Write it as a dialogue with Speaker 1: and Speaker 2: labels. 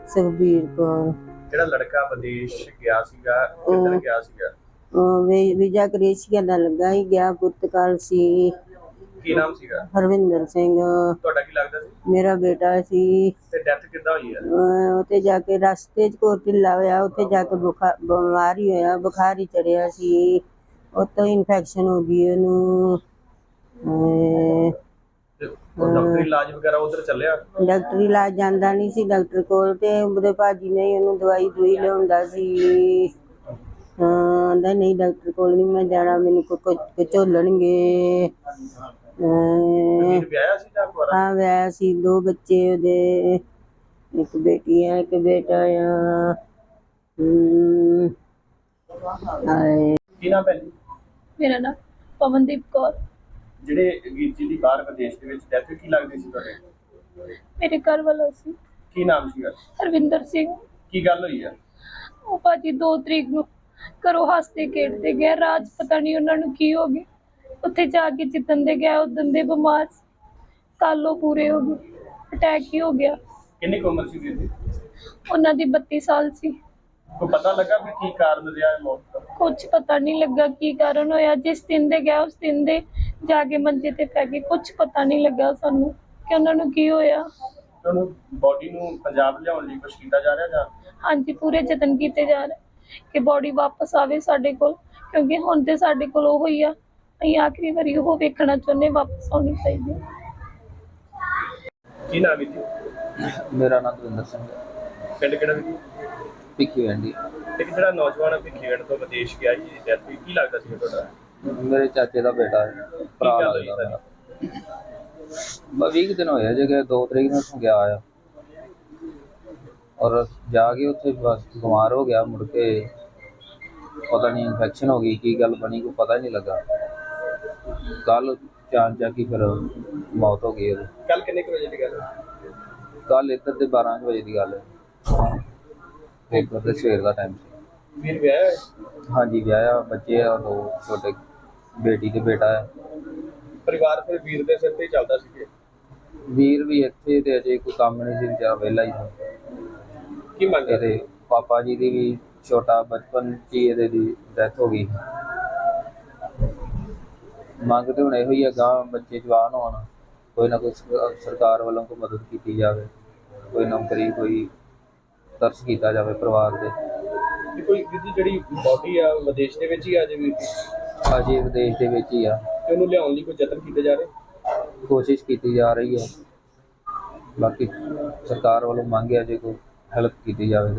Speaker 1: ਸੁਖਬੀਰ ਕੌਰ।
Speaker 2: ਜਿਹੜਾ ਲੜਕਾ ਵਿਦੇਸ਼ ਗਿਆ ਸੀਗਾ ਕਿੱਧਰ ਗਿਆ ਸੀਗਾ?
Speaker 1: ਵੀਜ਼ਾ ਕ੍ਰੇਸ਼ੀਆ ਦਾ ਲੱਗਾ ਹੀ ਗਿਆ, ਪੁਰਤਗਾਲ ਸੀ।
Speaker 2: ਕੀ ਨਾਮ ਸੀਗਾ?
Speaker 1: ਹਰਵਿੰਦਰ ਸਿੰਘ
Speaker 2: ਤੁਹਾਡਾ ਕੀ ਲੱਗਦਾ ਸੀ?
Speaker 1: ਮੇਰਾ ਬੇਟਾ ਸੀ।
Speaker 2: ਤੇ ਡੈਥ ਕਿੱਦਾਂ ਹੋਈ ਹੈ?
Speaker 1: ਉੱਥੇ ਜਾ ਕੇ ਰਸਤੇ 'ਚ ਕੋਈ ਢਿੱਲਾ ਹੋਇਆ, ਉੱਥੇ ਜਾ ਕੇ ਬਿਮਾਰ ਹੀ ਹੋਇਆ, ਬੁਖਾਰ ਹੀ ਚੜਿਆ ਸੀ, ਉੱਤੋਂ ਇਨਫੈਕਸ਼ਨ ਹੋ ਗਈ ਉਹਨੂੰ।
Speaker 2: ਤੇ ਉਹ ਡਾਕਟਰੀ ਇਲਾਜ ਵਗੈਰਾ ਉਧਰ ਚੱਲਿਆ?
Speaker 1: ਡਾਕਟਰੀ ਇਲਾਜ ਜਾਂਦਾ ਨਹੀਂ ਸੀ ਡਾਕਟਰ ਕੋਲ, ਤੇ ਉਹਦੇ ਭਾਜੀ ਨੇ ਉਹਨੂੰ ਦਵਾਈ ਦੂਈ ਲਿਆਉਂਦਾ ਸੀ। ਆਂਦਾ ਨਹੀਂ ਡਾਕਟਰ ਕੋਲ ਨਹੀਂ ਮੈਂ ਜਾਣਾ, ਮੈਨੂੰ ਝੋਲਣਗੇ।
Speaker 2: ਵੀਰ ਵਿਆਹਿਆ ਸੀ ਜਾਂ ਕੁਆਰਾ?
Speaker 1: ਹਾਂ ਵਿਆਹ ਸੀ, 2 ਬੱਚੇ ਉਹਦੇ, ਇੱਕ ਬੇਟੀ ਹੈ ਇੱਕ ਬੇਟਾ ਆ।
Speaker 2: ਕੀ ਨਾਮ ਹੈ ਜੀ?
Speaker 3: ਮੇਰਾ ਨਾਮ ਪਵਨਦੀਪ ਕੌਰ।
Speaker 2: ਜਿਹੜੇ ਵੀਰ ਜੀ ਦੀ ਬਾਹਰ ਵਿਦੇਸ਼ ਦੇ ਵਿੱਚ ਡੈਥ ਕੀ ਲੱਗਦੀ ਸੀ ਤੁਹਾਡੇ?
Speaker 3: ਮੇਰੇ ਘਰ ਵਾਲਾ ਸੀ
Speaker 2: ਕੀ ਨਾਮ ਸੀਗਾ?
Speaker 3: ਹਰਵਿੰਦਰ ਸਿੰਘ।
Speaker 2: ਕੀ ਗੱਲ ਹੋਈ ਹੈ?
Speaker 3: ਉਹ ਭਾਜੀ 2 ਤਰੀਕ ਨੂੰ ਘਰੋਂ ਹੱਸਦੇ ਖੇਡਦੇ ਗਏ, ਰਾਜ ਪਤਾ ਨਹੀਂ ਉਹਨਾਂ ਨੂੰ ਕੀ ਹੋ ਗਿਆ, ਉੱਥੇ ਜਾ ਕੇ ਜਿੱਦਣ ਦੇ ਗਿਆ ਉਦਣ ਦੇ ਬਿਮਾਰ, ਕਾਲੋ ਪੂਰੇ ਹੋ ਗਏ, ਅਟੈਕ ਹੀ ਹੋ ਗਿਆ।
Speaker 2: ਕਿੰਨੀ ਕੁ ਉਮਰ ਸੀ ਵੀਰ ਦੀ?
Speaker 3: ਉਹਨਾਂ ਦੀ 32 ਸਾਲ ਸੀ।
Speaker 2: ਕੋਈ ਪਤਾ ਲੱਗਾ ਵੀ ਕੀ ਕਾਰਨ ਰਿਹਾ ਹੈ ਮੌਤ ਦਾ?
Speaker 3: ਕੁਝ ਪਤਾ ਨਹੀਂ ਲੱਗਾ ਕੀ ਕਾਰਨ ਹੋਇਆ, ਜਿਸ ਦਿਨ ਦੇ ਗਿਆ ਉਸ ਦਿਨ ਦੇ ਜਾ ਕੇ ਮੰਜੇ ਤੇ ਪੈ ਗਏ, ਕੁਝ ਪਤਾ ਨਹੀਂ ਲੱਗਾ ਸਾਨੂੰ ਕਿ ਉਹਨਾਂ ਨੂੰ ਕੀ ਹੋਇਆ।
Speaker 2: ਉਹਨੂੰ ਬੋਡੀ ਨੂੰ ਪੰਜਾਬ ਲਿਆਉਣ ਲਈ ਕੁਝ ਕੀਤਾ ਜਾ ਰਿਹਾ ਜਾਂ?
Speaker 3: ਹਾਂਜੀ, ਪੂਰੇ ਯਤਨ ਕੀਤੇ ਜਾ ਰਹੇ ਕਿ ਬੋਡੀ ਵਾਪਸ ਆਵੇ ਸਾਡੇ ਕੋਲ, ਕਿਉਂਕਿ ਹੁਣ ਤੇ ਸਾਡੇ ਕੋਲ ਉਹ ਹੀ ਆ, ਅਸੀਂ ਆਖਰੀ ਵਾਰੀ ਉਹ ਵੇਖਣਾ ਚਾਹੁੰਦੇ, ਵਾਪਸ ਆਉਣੀ ਚਾਹੀਦੀ ਹੈ।
Speaker 2: ਕੀ ਨਾਮ ਹੈ ਜੀ?
Speaker 4: ਮੇਰਾ ਨਾਮ ਦਵਿੰਦਰ ਸਿੰਘ ਹੈ,
Speaker 2: ਪਿੰਡ ਕਿਹੜਾ ਜੀ?
Speaker 4: ਭਿੱਖੀ ਵੈਂਡੀ।
Speaker 2: ਇੱਕ ਜਿਹੜਾ ਨੌਜਵਾਨ ਭਿੱਖੀਵਿੰਡ ਤੋਂ ਵਿਦੇਸ਼ ਗਿਆ ਜੀ, ਡੈਥ ਹੋਈ, ਕੀ ਲੱਗਦਾ ਸੀ ਤੁਹਾਡਾ?
Speaker 4: ਮੇਰੇ ਚਾਚੇ ਦਾ ਬੇਟਾ ਹੈ, ਭਰਾ
Speaker 2: ਗੱਲ ਹੋਈ
Speaker 4: ਲੱਗਦਾ ਮੇਰਾ। ਬਸ 20 ਦਿਨ ਹੋਇਆ ਜੇ ਗਏ, 2 ਤਰੀਕ ਨੂੰ ਉੱਥੋਂ ਗਿਆ ਆ, ਔਰ ਜਾ ਕੇ ਉੱਥੇ ਬਸ ਬਿਮਾਰ ਹੋ ਗਿਆ, ਮੁੜ ਕੇ ਪਤਾ ਨਹੀਂ ਇਨਫੈਕਸ਼ਨ ਹੋ ਗਈ, ਕੀ ਗੱਲ ਬਣੀ ਕੋਈ ਪਤਾ ਹੀ ਨਹੀਂ ਲੱਗਾ। ਕੱਲ ਚਾਰ ਜਾ ਕੇ ਫਿਰ ਮੌਤ ਹੋ ਗਈ ਉਹਦੀ।
Speaker 2: ਕੱਲ ਕਿੰਨੇ ਕੁ ਵਜੇ ਦੀ ਗੱਲ ਹੈ?
Speaker 4: ਕੱਲ ਇੱਧਰ ਦੇ 12 ਵਜੇ ਦੀ ਗੱਲ ਹੈ, ਪੇਪਰ ਦੇ ਸਵੇਰ ਦਾ ਟਾਈਮ ਸੀ।
Speaker 2: ਵੀਰ ਵਿਆਹਿਆ ਹੈ?
Speaker 4: ਹਾਂਜੀ ਵਿਆਹਿਆ, ਬੱਚੇ ਆ 2 ਛੋਟੇ, ਬੇਟੀ ਤੇ ਬੇਟਾ ਹੈ।
Speaker 2: ਪਰਿਵਾਰ ਫਿਰ ਵੀਰ ਦੇ ਸਿਰ ਤੇ ਹੀ ਚੱਲਦਾ ਸੀ?
Speaker 4: ਵੀਰ ਵੀ ਇੱਥੇ ਤੇ ਅਜੇ ਕੋਈ ਕੰਮ ਨਹੀਂ ਸੀ, ਵਿਚਾਰਾ ਵਿਹਲਾ ਹੀ ਸੀ।
Speaker 2: ਕੀ ਮੰਗ ਕਰਦੇ?
Speaker 4: ਇਹਦੇ ਪਾਪਾ ਜੀ ਦੀ ਵੀ ਛੋਟਾ ਬਚਪਨ 'ਚ ਹੀ ਇਹਦੇ ਦੀ ਡੈਥ ਹੋ ਗਈ। ਮੰਗ ਤੇ ਹੁਣ ਇਹੋ ਹੀ ਹੈ, ਗਾਂ ਬੱਚੇ ਜਵਾਨ ਹੋਣ, ਕੋਈ ਨਾ ਕੋਈ ਸਰਕਾਰ ਵੱਲੋਂ ਕੋਈ ਮਦਦ ਕੀਤੀ ਜਾਵੇ, ਕੋਈ ਨੌਕਰੀ, ਕੋਈ ਤਰਸ ਕੀਤਾ ਜਾਵੇ ਪਰਿਵਾਰ ਦੇ।
Speaker 2: ਕੋਈ ਵੀਰ ਦੀ ਜਿਹੜੀ ਬੋਡੀ ਆ ਵਿਦੇਸ਼ ਦੇ ਵਿੱਚ ਹੀ ਆ ਜੇ ਵੀਰ ਦੀ?
Speaker 4: ਅਜੇ ਵਿਦੇਸ਼ ਦੇ ਵਿੱਚ ਹੀ ਆ,
Speaker 2: ਤੇ ਉਹਨੂੰ ਲਿਆਉਣ ਲਈ ਕੋਈ ਯਤਨ ਕੀਤੇ ਜਾ ਰਹੇ?
Speaker 4: ਕੋਸ਼ਿਸ਼ ਕੀਤੀ ਜਾ ਰਹੀ ਹੈ, ਬਾਕੀ ਸਰਕਾਰ ਵੱਲੋਂ ਮੰਗ ਹੈ ਜੇ ਕੋਈ ਹੈਲਪ ਕੀਤੀ ਜਾਵੇ।